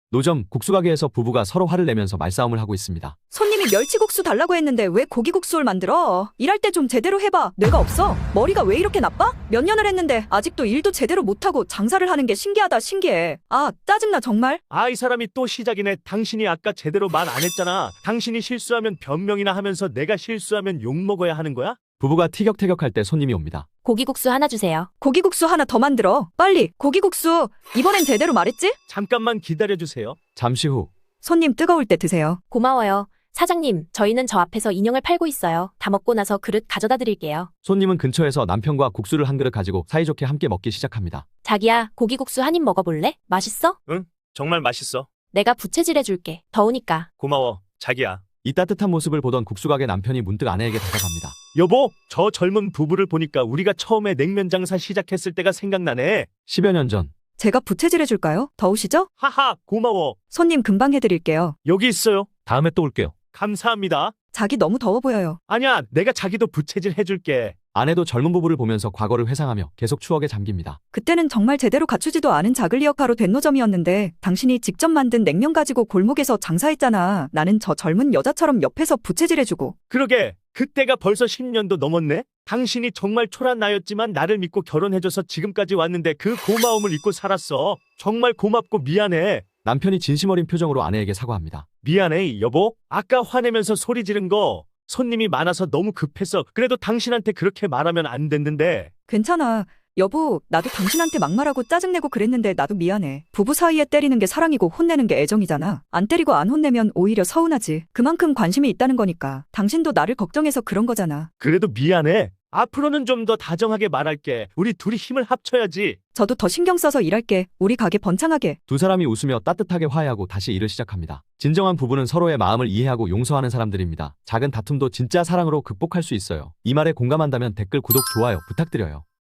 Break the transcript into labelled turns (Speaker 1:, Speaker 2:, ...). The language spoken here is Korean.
Speaker 1: 노점 국수가게에서 부부가 서로 화를 내면서 말싸움을 하고 있습니다.
Speaker 2: 손님이 멸치국수 달라고 했는데 왜 고기국수를 만들어? 일할 때 좀 제대로 해봐. 뇌가 없어? 머리가 왜 이렇게 나빠? 몇 년을 했는데 아직도 일도 제대로 못하고 장사를 하는 게 신기하다 신기해. 아 짜증나 정말.
Speaker 3: 아, 이 사람이 또 시작이네. 당신이 아까 제대로 말 안 했잖아. 당신이 실수하면 변명이나 하면서 내가 실수하면 욕먹어야 하는 거야?
Speaker 1: 부부가 티격태격할 때 손님이 옵니다.
Speaker 4: 고기국수 하나 주세요.
Speaker 2: 고기국수 하나 더 만들어. 빨리 고기국수. 이번엔 제대로 말했지?
Speaker 3: 잠깐만 기다려주세요.
Speaker 1: 잠시 후
Speaker 2: 손님 뜨거울 때 드세요.
Speaker 4: 고마워요. 사장님, 저희는 저 앞에서 인형을 팔고 있어요. 다 먹고 나서 그릇 가져다 드릴게요.
Speaker 1: 손님은 근처에서 남편과 국수를 한 그릇 가지고 사이좋게 함께 먹기 시작합니다.
Speaker 4: 자기야, 고기국수 한 입 먹어볼래? 맛있어?
Speaker 3: 정말 맛있어.
Speaker 4: 내가 부채질 해줄게. 더우니까.
Speaker 3: 고마워, 자기야.
Speaker 1: 이 따뜻한 모습을 보던 국수가게 남편이 문득 아내에게 다가갑니다.
Speaker 3: 여보, 저 젊은 부부를 보니까 우리가 처음에 냉면 장사 시작했을 때가 생각나네.
Speaker 1: 10여 년 전
Speaker 2: 제가 부채질 해줄까요? 더우시죠?
Speaker 3: 하하, 고마워.
Speaker 2: 손님 금방 해드릴게요.
Speaker 3: 여기 있어요.
Speaker 5: 다음에 또 올게요.
Speaker 3: 감사합니다.
Speaker 2: 자기 너무 더워 보여요.
Speaker 3: 아니야, 내가 자기도 부채질 해줄게.
Speaker 1: 아내도 젊은 부부를 보면서 과거를 회상하며 계속 추억에 잠깁니다.
Speaker 2: 그때는 정말 제대로 갖추지도 않은 작은 리어카로 된 노점이었는데 당신이 직접 만든 냉면 가지고 골목에서 장사했잖아. 나는 저 젊은 여자처럼 옆에서 부채질해주고.
Speaker 3: 그러게, 그때가 벌써 10년도 넘었네? 당신이 정말 초란 나였지만 나를 믿고 결혼해줘서 지금까지 왔는데 그 고마움을 잊고 살았어. 정말 고맙고 미안해.
Speaker 1: 남편이 진심 어린 표정으로 아내에게 사과합니다.
Speaker 3: 미안해, 여보. 아까 화내면서 소리 지른 거 손님이 많아서 너무 급했어. 그래도 당신한테 그렇게 말하면 안 됐는데.
Speaker 2: 괜찮아. 여보, 나도 당신한테 막말하고 짜증내고 그랬는데 나도 미안해. 부부 사이에 때리는 게 사랑이고 혼내는 게 애정이잖아. 안 때리고 안 혼내면 오히려 서운하지. 그만큼 관심이 있다는 거니까. 당신도 나를 걱정해서 그런 거잖아.
Speaker 3: 그래도 미안해. 앞으로는 좀 더 다정하게 말할게. 우리 둘이 힘을 합쳐야지.
Speaker 2: 저도 더 신경 써서 일할게. 우리 가게 번창하게.
Speaker 1: 두 사람이 웃으며 따뜻하게 화해하고 다시 일을 시작합니다. 진정한 부부는 서로의 마음을 이해하고 용서하는 사람들입니다. 작은 다툼도 진짜 사랑으로 극복할 수 있어요. 이 말에 공감한다면 댓글, 구독, 좋아요 부탁드려요.